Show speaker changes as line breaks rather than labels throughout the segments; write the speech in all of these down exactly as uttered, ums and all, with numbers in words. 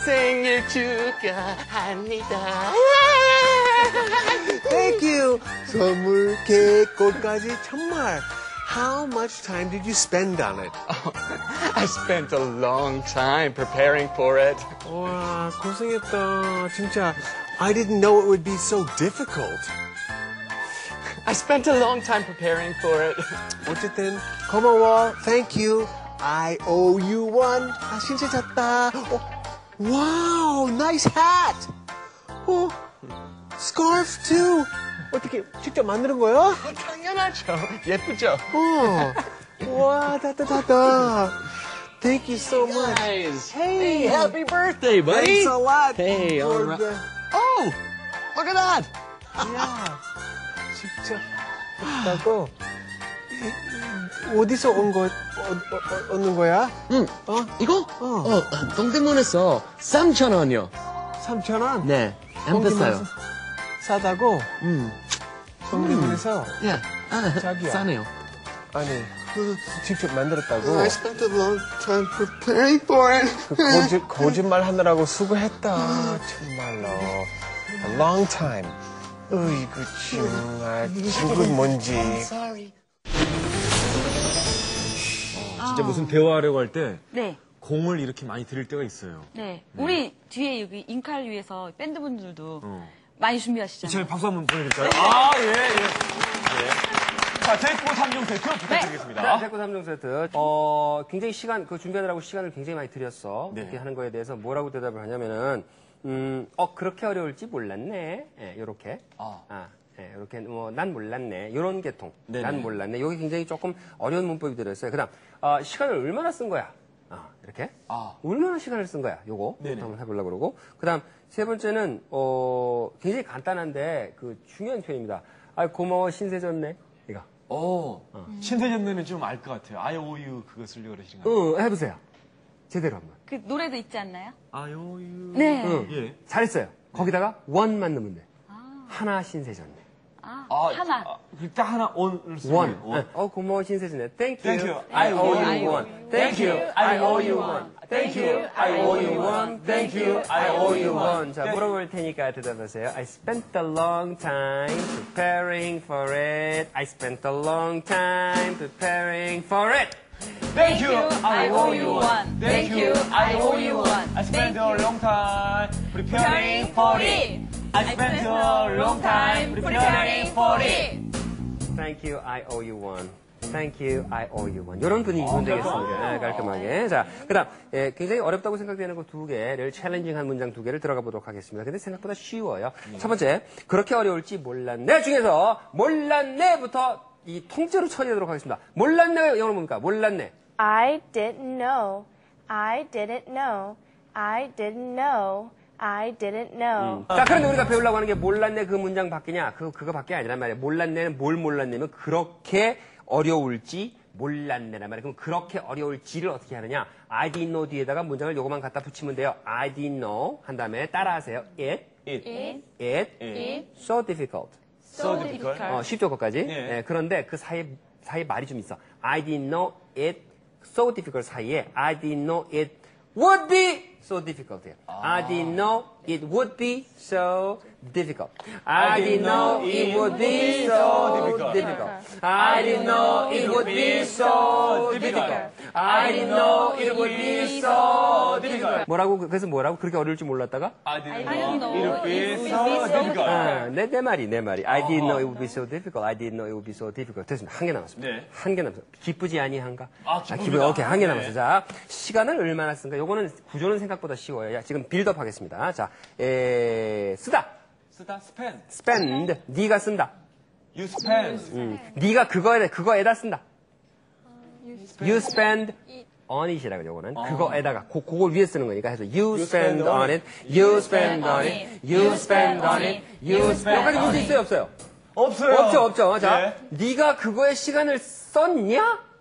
생일 축하합니다.
Thank you. 선물, 케이크, 꽃까지 정말. How much time did you spend on it?
Oh, I spent a long time preparing for it.
와, 고생했다. 진짜. I didn't know it would be so difficult.
I spent a long time preparing for it.
어쨌든 고마워. Thank you. I owe you one. 아, 진짜 잤다. 어, wow, nice hat. 어, scarf too. 어떻게 직접 만드는 거야?
당연하죠. 예쁘죠?
어, 와, 따따따따. Thank you so much.
Guys,
Hey,
hey, happy birthday, buddy.
Thanks a lot.
Hey, all
for
right.
the-
Oh, look at that.
야, 진짜 했다고? 어디서 온 거, 어, 어, 어, 얻는 거야?
응.
어?
이거?
어.
어, 동대문에서 삼천 원이요.
삼천 원?
네, 안 비싸요.
싸다고?
음,
동대문에서?
예, 아,
자기야.
싸네요.
아니, 그 직접 만들었다고?
I spent a long time preparing for it.
그 거짓, 거짓말 하느라고 수고했다. 정말로. A long time. 으이구, 정말. 죽은 뭔지.
Sorry.
진짜 무슨 대화하려고 할 때
네.
공을 이렇게 많이 들일 때가 있어요.
네. 우리 뒤에 여기 인칼 위에서 밴드분들도
어.
많이 준비하시잖아요.
제가 박수 한번 보내드릴까요? 아, 예, 예. 예. 자, 제이코 삼 종 세트 부탁드리겠습니다.
네, 제코 삼 종 세트. 어, 굉장히 시간, 그 준비하느라고 시간을 굉장히 많이 들였어.
네.
그렇게 하는 거에 대해서 뭐라고 대답을 하냐면은, 음, 어, 그렇게 어려울지 몰랐네. 예, 요렇게.
아.
아, 예, 요렇게, 뭐, 난 몰랐네. 요런 계통.
네네.
난 몰랐네. 여기 굉장히 조금 어려운 문법이 들어있어요. 그 다음, 어, 시간을 얼마나 쓴 거야? 아, 이렇게.
아.
얼마나 시간을 쓴 거야? 요거.
네네.
한번 해보려고 그러고. 그 다음, 세 번째는, 어, 굉장히 간단한데, 그 중요한 표현입니다. 아, 고마워, 신세 졌네. 이거.
어, 신세전네는 좀 알 것 같아요. I owe you 그거 쓰려고 그러시는 거예요?
응, 해보세요. 제대로 한번.
그 노래도 있지 않나요?
I owe you.
네.
응.
예.
잘했어요. 거기다가 원만 넣으면 돼. 하나 신세졌네.
아,
아,
하나.
아, 딱 하나 on을 쓰면
원.
돼요. 원.
어, 고마워 신세졌네. Thank you.
Thank you.
I owe
I
you
owe
one. Thank you. I owe you one. Thank you. I owe you one. Thank you. I owe you one. 자, 물어볼 테니까 대답하세요. I spent a long time preparing for it. I spent a long time preparing for it.
Thank you.
I owe you one. Thank you. I owe you one.
I spent a long time preparing for it. I spent a long time preparing for it.
Thank you, I owe you one. Thank you, I owe you one. 이런 분위기면 되겠습니다. 네, 깔끔하게. 자, 그 다음, 예, 굉장히 어렵다고 생각되는 거 두 개를, 챌린징한 문장 두 개를 들어가 보도록 하겠습니다. 근데 생각보다 쉬워요. 첫 번째, 그렇게 어려울지 몰랐네 중에서 몰랐네부터 이 통째로 처리하도록 하겠습니다. 몰랐네, 영어로 뭡니까? 몰랐네.
I didn't know. I didn't know. I didn't know. I didn't know.
자, 그런데 우리가 배우려고 하는 게 몰랐네 그 문장 밖이냐? 그, 그거밖에 아니란 말이에요. 몰랐네는 뭘 몰랐냐면 그렇게 어려울지 몰랐네란 말이에요. 그럼 그렇게 어려울지를 어떻게 하느냐? I didn't know 뒤에다가 문장을 요거만 갖다 붙이면 돼요. I didn't know 한 다음에 따라하세요. It,
It,
It,
it,
it,
so difficult.
so difficult.
어, 쉽죠, 거기까지.
네.
예, 그런데 그 사이에, 사이에 말이 좀 있어. I didn't know it so difficult 사이에 I didn't know it would be so difficult. I didn't know it would be so difficult. I didn't know it would be so difficult. I didn't know it would be so difficult. I didn't know it would be so difficult. 뭐라고, 그래서 뭐라고? 그렇게 어려울 줄 몰랐다가?
I didn't
didn't
know
know
it would be
it would
so
be so
difficult.
아, 내, 내 말이, 내 말이. I didn't know it would be so difficult. I didn't know it would be so difficult. 됐습니다. 한 개 남았습니다.
네.
한 개 남았습니다. 기쁘지 아니한가?
아, 기쁩니다.
기쁘, 오케이. 한 개
네.
남았어요. 자, 시간을 얼마나 쓴가? 요거는 구조는 생각보다 쉬워요. 야, 지금 빌드업 하겠습니다. 자, 에, 쓰다.
쓰다, spend.
spend. 네가 쓴다.
You spend.
음, 네가 그거에, 그거에다 쓴다. You spend on it이라고 요거는. 그거에다가, 고, 그걸 위에 쓰는 거니까 해서 you spend on it, you spend on it, you spend on it, you spend 여기까지 문제 있어요, 없어요?
없어요.
없죠, 없죠. 자,
네.
네가 그거에 시간을 썼냐?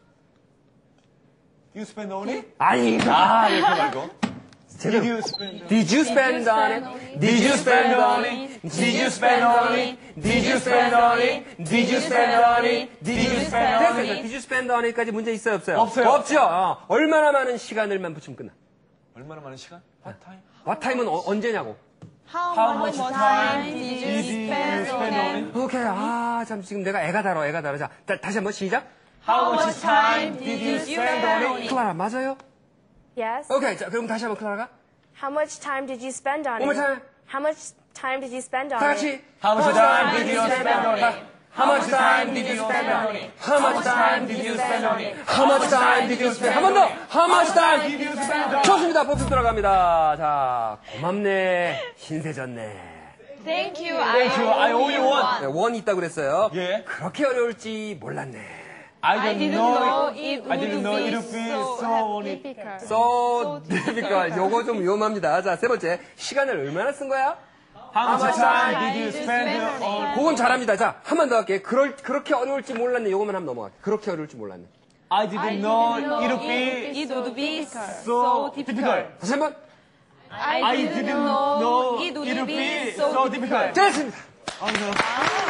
You spend on it?
아니다.
아, 이렇게 말고.
제대로.
Did you spend on it?
Did you spend on it? Did you spend on it? Did you spend on it? Did you spend on it? Did you spend on it? Did you spend on it? Did you spend on it까지 문제 있어요, 없어요?
없어요.
없죠. 어, 얼마나 많은 시간을만 붙이면 끝나.
얼마나 많은 시간? What time?
what time은 어, 언제냐고.
How much time did you spend on it?
오케이. 아, 참, 지금 내가 애가 달아, 애가 달아. 자, 다, 다시 한번 시작.
How much time did you spend on it?
클라라, 맞아요?
Yes.
오케이. 자, 그럼 다시 한번 클라라가.
How much time did you spend on
One more
it?
time.
How much time did you spend on
다
it?
같이.
How much time did you spend on it? How much time did you spend on it?
How much time did you spend on it? How much time did you spend? 한 번 더. How much time did you spend on it? 좋습니다. 복습 들어갑니다. 자, 고맙네. 신세졌네.
Thank you.
Thank you. I owe you one.
네, 원이 있다고 그랬어요.
예.
그렇게 어려울지 몰랐네.
I
I
didn't
didn't
know
know
it.
it
I didn't know it
would
would
be
be
so
so
difficult.
So difficult. 요거 좀 위험합니다. 자, 세 번째. 시간을 얼마나 쓴 거야?
How much time did you spend on?
그건 잘합니다. 자, 한 번 더 할게요. 그럴, 그렇게 어려울지 몰랐네. 요거만 한번 넘어갈게요. 그렇게 어려울지 몰랐네.
I didn't know it would be
It would be
so difficult.
다시 한 번.
I
I
didn't
didn't
know
know
it
it
would
would
be
be
so
so difficult.
됐습니다.
아,